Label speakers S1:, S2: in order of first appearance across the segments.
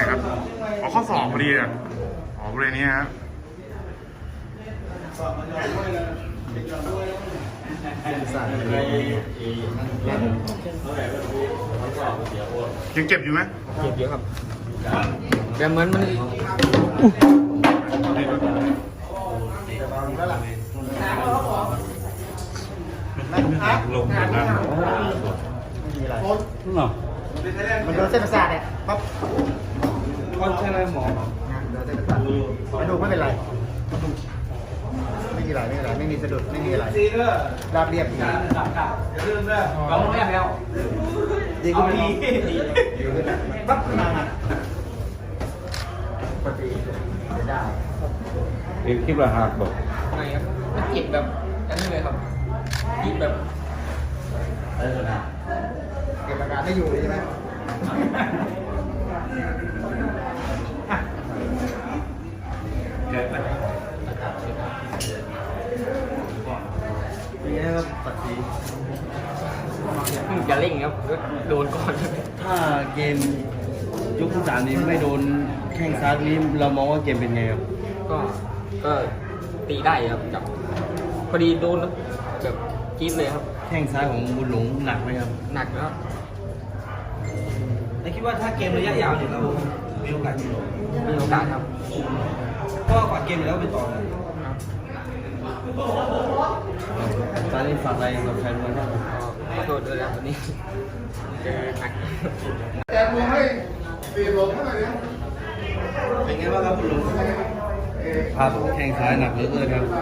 S1: ครับอ๋อข้อศอกพอดีอ่ะอ๋อบริเวณนี้ฮะยังเจ็บอยู่ไหม
S2: เจ็บเยอะครับแต่เหมือนมัน
S1: ลงจากนั้น
S3: มันโดนเส้นประสาทเนี่ยปั๊บ
S2: ก็ใช่ไหมหมอ
S3: โดนเส้นประสาทกระดูกไม่เป็นไรไม่มีอะไรไม่มีสะดุดไม่มีอะไรราบเรียบดีเราไม่แล้วดีขึ้นไหมดีขึ้นปั๊บมาปกติจะได้
S4: คลิปละหักบอก
S2: ไงครับมันเจ็บแบบนั้นเลยครับยิบแบบ
S3: เก็บอาการไม่อยู่เลยใช่ไหมนี่ครับปัดสี
S2: จะเร่งครับโดนก่อน
S4: ถ้าเกมยุคที่3นี้ไม่โดนแข้งซ้ายนี้เรามองว่าเกมเป็นไงครับ
S2: ก็ตีได้ครับจับพอดีโดนแบบจี๊ดเลยครับ
S4: แข้งซ้ายของบุญหลงหนักไหมครับ
S2: หนักแล้ว
S5: แต่คิดว่าถ้าเกมระยะยาวเนี่ยเรามีโอกาสอยู่
S2: มีโอกาสครับ
S5: เพราะว่ากว่าเกมอยู่แล้วไปต่อเลย
S4: ตอนนี้ฝากอะไรกับแฟนมวยบ้าง
S2: ขอโทษด้วยครับวันนี้เจอหนัก
S5: เป็นไงบ้างครับคุณลุง
S4: ครับแข้งซ้ายหนักเหลือเกินครับ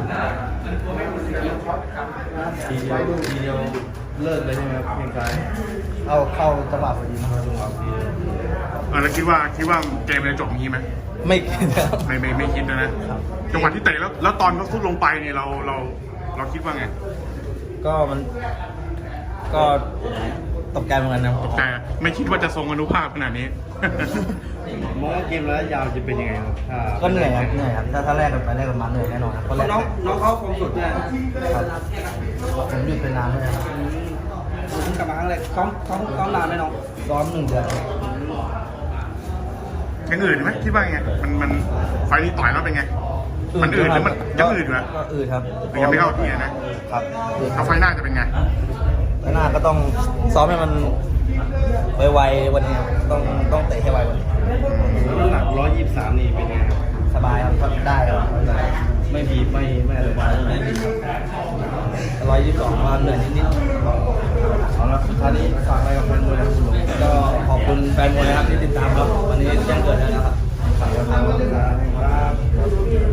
S4: ทีเดียวเลิกเลยใช่ไหมครับแข้งซ้าย
S3: เข้าจังหวะพอดีนะครับ
S4: จังหวะทีเดียว
S1: แล้วคิดว่าเกมจะจบอย่างนี้ไหม
S3: ไม่คิดครับ
S1: ไม่คิดนะจังหวะที่เตะแล้วตอนเขาซุดลงไปเนี่ยเราคิดว่าไง
S3: ก็มันก็ตกใจเหมือนกันนะ
S1: แต่ไม่คิดว่าจะทรงอนุภาพขนาดนี้
S4: มองว่าเกมระยะยาวจะเป็นยังไงครับถ้า
S3: ก็เหนื่อยครับถ้าแรกกันไปแรกกันมาเหนื่อยแน่นอนครับเพราะแรก
S5: น้องเขาคงสุดเนี่ย
S3: ครับผมหยุดไปนานเลยครับ
S5: ผมกลับมาครั้งแรกซ้อมนานไหมน้อง
S3: ซ้อม1 เดือน
S1: ยังอื่นไหมคิดว่าไงมันไฟนี้ต่อยแล้วเป็นไง มันอื่นหรือมันยังอื่นอยู่อะ
S3: ก็อืดครับ
S1: ยังไม่เข้าที่นะครับ
S3: อืดค
S1: แล้
S3: รั
S1: ว
S3: บ
S1: ไฟหน้าจะเป็นไง
S3: แล้วหน้าก็ต้องซ้อมให้มันไวๆวันนี้ครับต้องเตะให้ไวกวันนี้
S4: น้ำหนัก123นี่เป็นไงครับ
S3: สบายครับได้ครับ
S4: ไม่บีบไม่อะไรบ้าง
S3: 122มาเหนื่อยนิด
S4: เอาละคราวนี้ฝากอะไรกับแฟนมวยครับคุณหลง
S3: ๆก็ขอบคุณแฟนมวยนะครับที่ติดตามครับวันนี้แจ้งเกิดแล้วนะครับ
S4: ครับ